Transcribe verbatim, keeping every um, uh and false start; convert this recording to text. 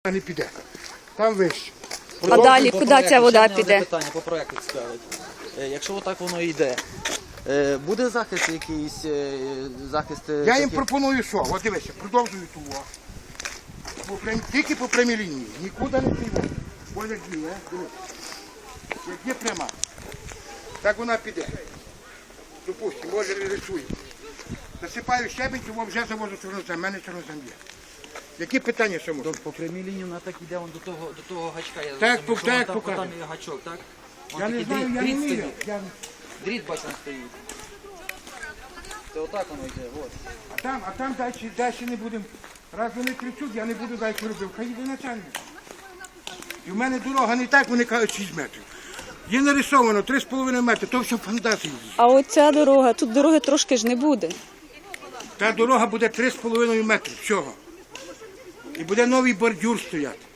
не піде. Там вище. А далі По куди проекту, ця вода ще одне піде? питання по проекту цікавить. Е, Якщо отак воно йде, е, буде захист якийсь, е, захист... е, Я їм таких- пропоную що? От дивися, продовжую ту. о. По прям- Тільки по прямій лінії. Нікуди не піде. Ось як є, дивись. Як є пряма. Так вона піде. Допустимо, може рисую. Насипаю щебень, тому вже завожу чорнозем. У мене чорнозем є. Які питання ще можуть? По прямій лінії вона так йде вон до того, до того гачка. Я Так, зрозумів, що так, вон там, покажу. там є гачок, так? Вон Я не такий знаю, дріт, я не дріт вмію. стоїть. Я... Дріт, бачимо, стоїть. Це отак воно йде, от. А там, а там далі, далі не будемо. Раз вони кричуть, я не буду далі робити. Хай йде начальник. І в мене дорога не так, вони кажуть шість метрів. Є нарисовано три з половиною метри, то все фантазії. А оця дорога, тут дороги трошки ж не буде. Та дорога буде три з половиною метри всього. І буде новий бордюр стояти.